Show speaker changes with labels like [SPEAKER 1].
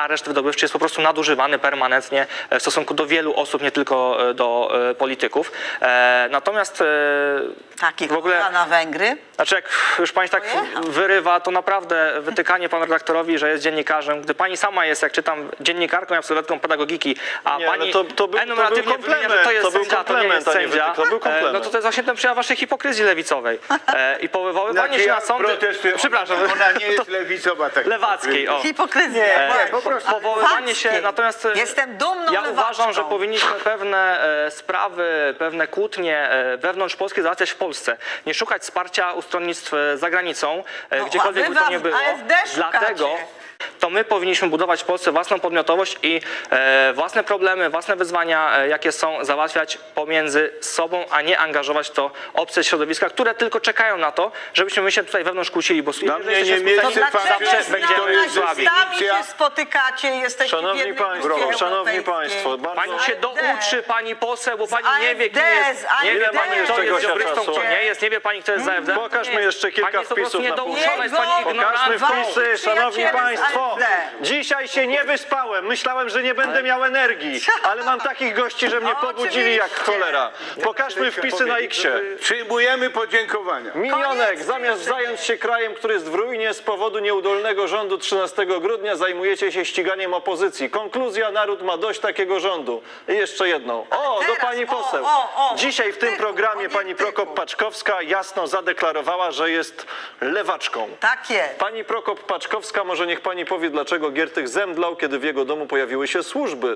[SPEAKER 1] areszt wydobywczy jest po prostu nadużywany permanentnie w stosunku do wielu osób, nie tylko do polityków. Natomiast
[SPEAKER 2] Takich
[SPEAKER 1] w ogóle,
[SPEAKER 2] na Węgry.
[SPEAKER 1] znaczy jak już pani tak
[SPEAKER 2] Pojechał.
[SPEAKER 1] wyrywa, to naprawdę wytykanie panu redaktorowi, że jest dziennikarzem, gdy pani sama jest, jak czytam, dziennikarką i absolwentką pedagogiki, a
[SPEAKER 3] Nie,
[SPEAKER 1] pani
[SPEAKER 3] no to był
[SPEAKER 1] enumeratywnie wymienia, że to jest
[SPEAKER 3] był
[SPEAKER 1] sędzia, to nie jest
[SPEAKER 3] komplement, a nie
[SPEAKER 1] sędzia,
[SPEAKER 3] wytyk, to był komplement.
[SPEAKER 1] no to jest właśnie ten przejaw waszej hipokryzji lewicowej. I powoływanie się na sądy...
[SPEAKER 4] protestuję.
[SPEAKER 1] Przepraszam.
[SPEAKER 4] Ona nie jest lewicowa. Tak
[SPEAKER 1] Lewackiej, o.
[SPEAKER 2] Hipokryzja.
[SPEAKER 4] Nie, po prostu.
[SPEAKER 1] Powoływanie się,
[SPEAKER 2] Lewackiej.
[SPEAKER 1] natomiast
[SPEAKER 2] Jestem dumną
[SPEAKER 1] ja
[SPEAKER 2] lewaczką.
[SPEAKER 1] uważam, że powinniśmy pewne sprawy, pewne kłótnie wewnątrz Polski załatwiać w Polsce. Nie szukać wsparcia u stronnictw za granicą,
[SPEAKER 2] No,
[SPEAKER 1] gdziekolwiek
[SPEAKER 2] a wy
[SPEAKER 1] by to nie
[SPEAKER 2] w
[SPEAKER 1] było.
[SPEAKER 2] AfD
[SPEAKER 1] Dlatego
[SPEAKER 2] szukacie.
[SPEAKER 1] to my powinniśmy budować w Polsce własną podmiotowość i własne problemy, własne wyzwania, jakie są, załatwiać pomiędzy sobą, a nie angażować to obce środowiska, które tylko czekają na to, żebyśmy my się tutaj wewnątrz kłócili, bo
[SPEAKER 4] Dla mnie
[SPEAKER 1] jeżeli
[SPEAKER 4] nie
[SPEAKER 1] jesteśmy
[SPEAKER 4] mieści
[SPEAKER 1] skuteczni,
[SPEAKER 4] fakt,
[SPEAKER 2] Dlaczego
[SPEAKER 4] że
[SPEAKER 2] z
[SPEAKER 1] będziemy
[SPEAKER 2] nazistami
[SPEAKER 4] słabi.
[SPEAKER 2] się spotykacie, jesteście w
[SPEAKER 3] Szanowni
[SPEAKER 2] jednej
[SPEAKER 3] Państwo,
[SPEAKER 2] grupie
[SPEAKER 3] Szanowni
[SPEAKER 2] europejskiej?
[SPEAKER 3] Państwo, bardzo...
[SPEAKER 1] Pani się douczy, pani poseł, bo pani nie wie, kim
[SPEAKER 2] AfD,
[SPEAKER 1] jest. Nie wie
[SPEAKER 2] AfD.
[SPEAKER 1] pani, kto
[SPEAKER 3] Ile
[SPEAKER 1] jest
[SPEAKER 3] mamy
[SPEAKER 1] ziobrystą,
[SPEAKER 3] jeszcze
[SPEAKER 1] kto
[SPEAKER 3] czasu?
[SPEAKER 1] nie jest. Nie wie pani, kto jest za AfD.
[SPEAKER 3] Pokażmy jeszcze kilka
[SPEAKER 1] Pani jest po prostu
[SPEAKER 3] wpisów na
[SPEAKER 1] niedouczona, jest pani
[SPEAKER 2] Jego-
[SPEAKER 3] Pokażmy
[SPEAKER 1] ignorantką.
[SPEAKER 3] wpisy, szanowni
[SPEAKER 2] Przyjaciele z
[SPEAKER 3] państwo.
[SPEAKER 2] AfD.
[SPEAKER 3] Dzisiaj się nie wyspałem. Myślałem, że nie będę miał energii, ale mam takich gości, że mnie pobudzili jak
[SPEAKER 2] Oczywiście.
[SPEAKER 3] cholera. Pokażmy wpisy na X-ie.
[SPEAKER 4] Przyjmujemy podziękowania.
[SPEAKER 3] Minionek,
[SPEAKER 2] Koniec
[SPEAKER 3] zamiast
[SPEAKER 2] stwierdzenia.
[SPEAKER 3] zająć się krajem, który jest w ruinie z powodu nieudolnego rządu 13 grudnia, zajmujecie się ściganiem opozycji. Konkluzja: naród ma dość takiego rządu. I jeszcze jedną. O, do
[SPEAKER 2] teraz,
[SPEAKER 3] pani poseł. Dzisiaj w tym programie pani Prokop-Paczkowska jasno zadeklarowała, że jest lewaczką.
[SPEAKER 2] Tak jest.
[SPEAKER 3] Pani Prokop-Paczkowska, może niech pani powie, dlaczego Giertych zemdlał, kiedy w jego domu pojawiły się służby.